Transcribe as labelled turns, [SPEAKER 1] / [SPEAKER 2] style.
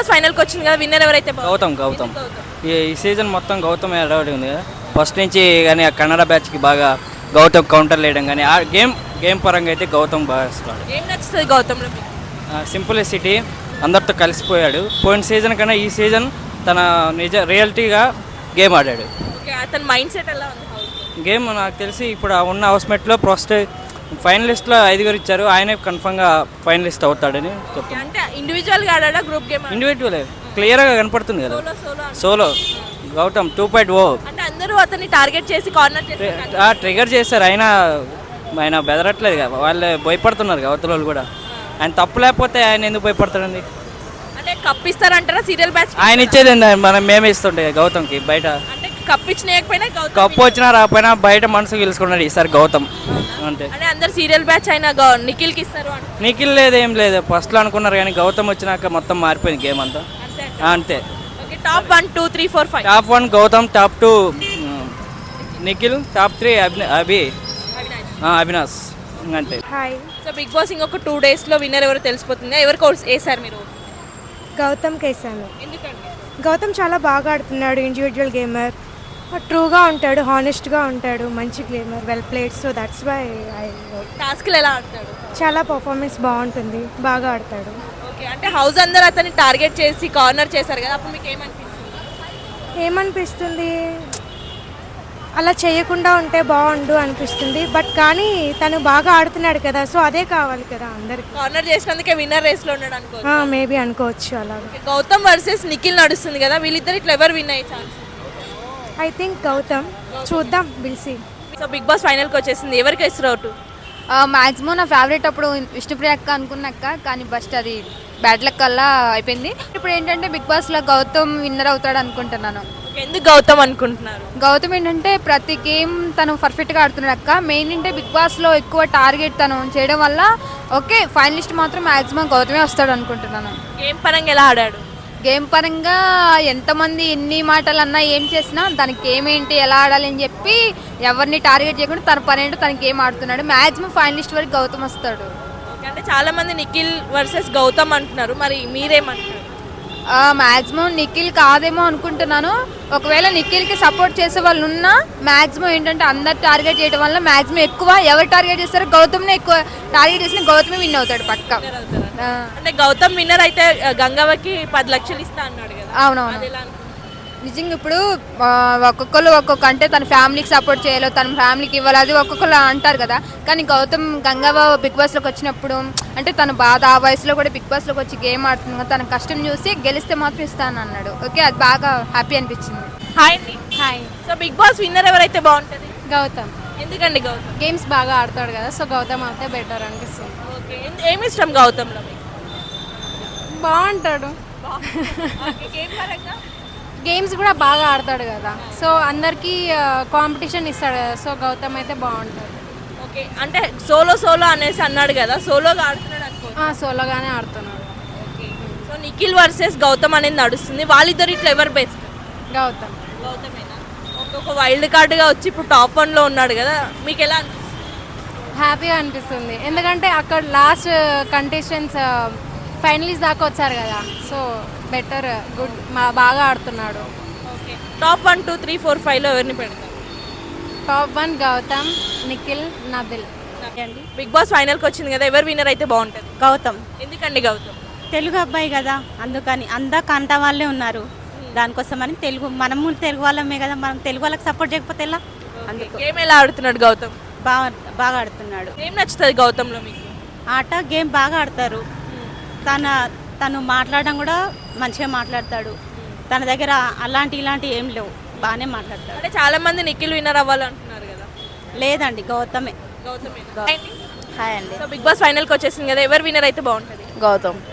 [SPEAKER 1] Boss ఫైనల్కి వచ్చింది కదా, విన్నర్ ఎవరైతే
[SPEAKER 2] గౌతమ్ ఈ సీజన్ మొత్తం గౌతమ్ ఎడబడి ఉంది కదా. ఫస్ట్ నుంచి కానీ ఆ కన్నడ బ్యాచ్కి బాగా గౌతమ్ కౌంటర్ వేయడం కానీ ఆ గేమ్ పరంగా అయితే గౌతమ్ బాగా ఇస్తాడు.
[SPEAKER 1] ఏం నచ్చుతుంది గౌతమ్లో?
[SPEAKER 2] సింప్లిసిటీ, అందరితో కలిసిపోయాడు. పోయిన సీజన్ కన్నా ఈ సీజన్ తన రియాలిటీగా గేమ్ ఆడాడు.
[SPEAKER 1] ఓకే, అతని మైండ్ సెట్ ఎలా ఉంది?
[SPEAKER 2] గేమ్ నాకు తెలిసి ఇప్పుడు ఉన్న హౌస్మేట్లో ఫస్ట్ ఫైనలిస్ట్లో 5 ఇచ్చారు. ఆయనే కన్ఫర్మ్గా ఫైనలిస్ట్ అవుతాడని చెప్తాను.
[SPEAKER 1] అంటే ఇండివిజువల్గా ఆడా గ్రూప్ గేమ్?
[SPEAKER 2] ఇండివిజువల్ క్లియర్గా కనపడుతుంది కదా. సోలో గౌతమ్ 2.0
[SPEAKER 1] అంటే అందరూ అతన్ని టార్గెట్ చేసి కార్నర్ చేసి
[SPEAKER 2] ట్రిగర్ చేశారు. ఆయన బెదరట్లేదు కదా, వాళ్ళు భయపడుతున్నారు అవతల వాళ్ళు కూడా. ఆయన తప్పు లేకపోతే ఆయన ఎందుకు భయపడతాడండి?
[SPEAKER 1] అంటే కప్పిస్తారంటారా సీరియల్ బ్యాచ్?
[SPEAKER 2] ఆయన ఇచ్చేది మేమే ఇస్తుంటే గౌతమ్కి బయట.
[SPEAKER 1] అంటే కప్పించలేకపోయినా
[SPEAKER 2] కప్పు వచ్చినా రాకపోయినా బయట మనసు గెలుచుకున్నాడు ఈసారి గౌతమ్ అంతే.
[SPEAKER 1] అంటే అందరు సీరియల్ బ్యాచ్ అయినా నిఖిల్కి ఇస్తారు అంటే
[SPEAKER 2] నిఖిల్ లేదు, ఏం లేదు. ఫస్ట్లో అనుకున్నారు కానీ గౌతమ్ వచ్చినాక మొత్తం మారిపోయింది గేమ్ అంతా అంతే.
[SPEAKER 1] Okay, top 1 2 3 4 5.
[SPEAKER 2] Top 1 Gautam, top 2 Nikhil, top 3 Avinash అంతే.
[SPEAKER 3] హాయ్.
[SPEAKER 1] సో బిగ్ బాస్ ఇంకొక 2 డేస్లో విన్నర్ ఎవరో తెలిసిపోతుంది. ఎవరికి వేసారు మీరు?
[SPEAKER 3] గౌతమ్కి వేసాను.
[SPEAKER 1] ఎందుకండి?
[SPEAKER 3] గౌతమ్ చాలా బాగా ఆడుతున్నాడు, ఇండివిజువల్ గేమర్, ట్రూగా ఉంటాడు, హానెస్ట్గా ఉంటాడు, మంచి gamer, well played. So that's why I
[SPEAKER 1] టాస్క్లు ఎలా ఆడతాడు?
[SPEAKER 3] చాలా పర్ఫార్మెన్స్ బాగుంటుంది, బాగా ఆడతాడు.
[SPEAKER 1] ఓకే, అంటే హౌస్ అందరూ అతన్ని టార్గెట్ చేసి కార్నర్ చేశారు కదా, అప్పుడు మీకు
[SPEAKER 3] ఏమనిపిస్తుంది? అలా చేయకుండా ఉంటే బాగుండు అనిపిస్తుంది. బట్ కానీ తను బాగా ఆడుతున్నాడు కదా, సో అదే కావాలి కదా అందరికి.
[SPEAKER 1] కార్నర్ చేసినందుకే విన్నర్ రేస్లో ఉన్నాడు అనుకో.
[SPEAKER 3] మేబీ అనుకోవచ్చు అలాగే.
[SPEAKER 1] గౌతమ్ వర్సెస్ నిఖిల్ నడుస్తుంది కదా, వీళ్ళిద్దరు ఇట్లా ఎవరు విన్ అయ్యే ఛాన్స్?
[SPEAKER 3] I think Gautam. చూద్దాం, will see.
[SPEAKER 1] So Big Boss ఫైనల్కి వచ్చేసింది, ఎవరికి వేస్తారు అవుట్?
[SPEAKER 4] మ్యాక్సిమం నా ఫేవరెట్ అప్పుడు విష్ణుప్రియ అక్క అనుకున్నాక, కానీ ఫస్ట్ అది బ్యాడ్ లక్ అలా అయిపోయింది. ఇప్పుడు ఏంటంటే బిగ్ బాస్లో గౌతమ్ విన్నర్ అవుతాడు అనుకుంటున్నాను.
[SPEAKER 1] ఎందుకు గౌతమ్ అనుకుంటున్నారు?
[SPEAKER 4] గౌతమ్ ఏంటంటే ప్రతి గేమ్ తను పర్ఫెక్ట్గా ఆడుతున్నాడు అక్క. మెయిన్ అంటే బిగ్ బాస్లో ఎక్కువ టార్గెట్ తను చేయడం వల్ల ఓకే ఫైనలిస్ట్ మాత్రం మ్యాక్సిమం గౌతమే వస్తాడు అనుకుంటున్నాను.
[SPEAKER 1] గేమ్ పరంగా ఎలా ఆడాడు?
[SPEAKER 4] గేమ్ పరంగా ఎంతమంది ఎన్ని మాటలు అన్నా ఏం చేసినా దానికి ఏమేంటి ఎలా ఆడాలి అని చెప్పి ఎవరిని టార్గెట్ చేయకుండా తన పని ఏంటో తన గేమ్ ఆడుతున్నాడు. మ్యాక్సిమం ఫైనలిస్ట్ వరకు గౌతమ్ వస్తాడు.
[SPEAKER 1] అంటే చాలా మంది నిఖిల్ వర్సెస్ గౌతమ్ అంటున్నారు, మరి మీరేమంటున్నారు?
[SPEAKER 4] మ్యాక్సిమం నిఖిల్ కాదేమో అనుకుంటున్నాను. ఒకవేళ నిఖిల్కి సపోర్ట్ చేసే వాళ్ళు ఉన్నా మ్యాక్సిమం ఏంటంటే అందరు టార్గెట్ చేయడం వల్ల మ్యాక్సిమం ఎక్కువ ఎవరు టార్గెట్ చేస్తారో గౌతమ్నే ఎక్కువ టార్గెట్ చేసిన గౌతమే విన్ అవుతాడు పక్క.
[SPEAKER 1] అంటే గౌతమ్ విన్నర్ అయితే గంగవ్వకి 10 లక్షలు ఇస్తా అన్నాడు కదా.
[SPEAKER 4] అవునవును, నిజంగా ఇప్పుడు ఒక్కొక్కరు ఒక్కొక్క అంటే తన ఫ్యామిలీకి సపోర్ట్ చేయాలో తన ఫ్యామిలీకి ఇవ్వాలి, అది ఒక్కొక్కరు అంటారు కదా. కానీ గౌతమ్ గంగవ్వ బిగ్ బాస్లోకి వచ్చినప్పుడు అంటే తన బాధ ఆ వయసులో కూడా బిగ్ బాస్లోకి వచ్చి గేమ్ ఆడుతుంది కదా, తన కష్టం చూసి గెలిస్తే మాత్రం ఇస్తాను అన్నాడు. ఓకే, అది బాగా హ్యాపీ అనిపించింది.
[SPEAKER 1] హాయ్ అండి.
[SPEAKER 4] Hi.
[SPEAKER 1] So Big Boss winner ఎవరైతే బాగుంటుంది?
[SPEAKER 4] గౌతమ్.
[SPEAKER 1] ఎందుకండి గౌతమ్?
[SPEAKER 4] గేమ్స్ బాగా ఆడతాడు కదా, సో గౌతమ్ అయితే బెటర్ అనిపిస్తుంది.
[SPEAKER 1] ఓకే, ఏమి ఇష్టం గౌతమ్లో?
[SPEAKER 4] బాగుంటాడు, గేమ్స్ కూడా బాగా ఆడతాడు కదా, సో అందరికీ కాంపిటీషన్ ఇస్తాడు కదా, సో గౌతమ్ అయితే బాగుంటాడు.
[SPEAKER 1] ఓకే, అంటే సోలో అనేసి అన్నాడు కదా, సోలోగా ఆడుతున్నాడు అనుకో.
[SPEAKER 4] సోలోగానే ఆడుతున్నాడు.
[SPEAKER 1] Okay, so Nikhil versus Gautam అనేది నడుస్తుంది, వాళ్ళిద్దరు ఇట్లా ఎవరు బెస్ట్?
[SPEAKER 4] గౌతమ్.
[SPEAKER 1] గౌతమేనా? ఒక వైల్డ్ కార్డ్గా వచ్చి ఇప్పుడు టాప్ 1లో ఉన్నాడు కదా, మీకు ఎలా అనిపిస్తుంది?
[SPEAKER 4] హ్యాపీగా అనిపిస్తుంది, ఎందుకంటే అక్కడ లాస్ట్ కంటెస్టెంట్స్ ఫైనలిస్ట్ దాకా వచ్చారు కదా, సో బెటర్ గుడ్ బాగా ఆడుతున్నాడు.
[SPEAKER 1] ఓకే, టాప్ 1 2 3 4 5లో ఎవరిని పెడతారు?
[SPEAKER 4] Top 1 Gautam, Nikhil, Nabeel.
[SPEAKER 1] Big Boss ఫైనల్కి వచ్చింది కదా, ఎవరు విన్నర్ అయితే బాగుంటుంది?
[SPEAKER 5] గౌతమ్.
[SPEAKER 1] ఎందుకండి గౌతమ్?
[SPEAKER 5] తెలుగు అబ్బాయి కదా, అందుకని అందా కంట వాళ్ళే ఉన్నారు, దానికోసమని మనము తెలుగు వాళ్ళమే కదా, మనం తెలుగు వాళ్ళకి సపోర్ట్ చేయకపోతే ఎలా? అందుకు
[SPEAKER 1] గేమ్ ఎలా ఆడుతున్నాడు గౌతమ్?
[SPEAKER 5] బాగా ఆడుతున్నాడు.
[SPEAKER 1] ఏం నచ్చుతుంది గౌతమ్లో మీకు?
[SPEAKER 5] ఆట గేమ్ బాగా ఆడతారు. తను మాట్లాడడం కూడా మంచిగా మాట్లాడతాడు. తన దగ్గర ఇలాంటి ఏం లేవు, బాగానే మాట్లాడతాడు.
[SPEAKER 1] అంటే చాలా మంది నిఖిల్ విన్నర్ అవ్వాలంటున్నారు కదా.
[SPEAKER 5] లేదండి, గౌతమే.
[SPEAKER 1] గౌతమే.
[SPEAKER 4] హాయ్ అండి.
[SPEAKER 1] సో బిగ్ బాస్ ఫైనల్కి వచ్చేసింది కదా, ఎవరు విన్నర్ అయితే బాగుంటుంది?
[SPEAKER 4] గౌతమ్.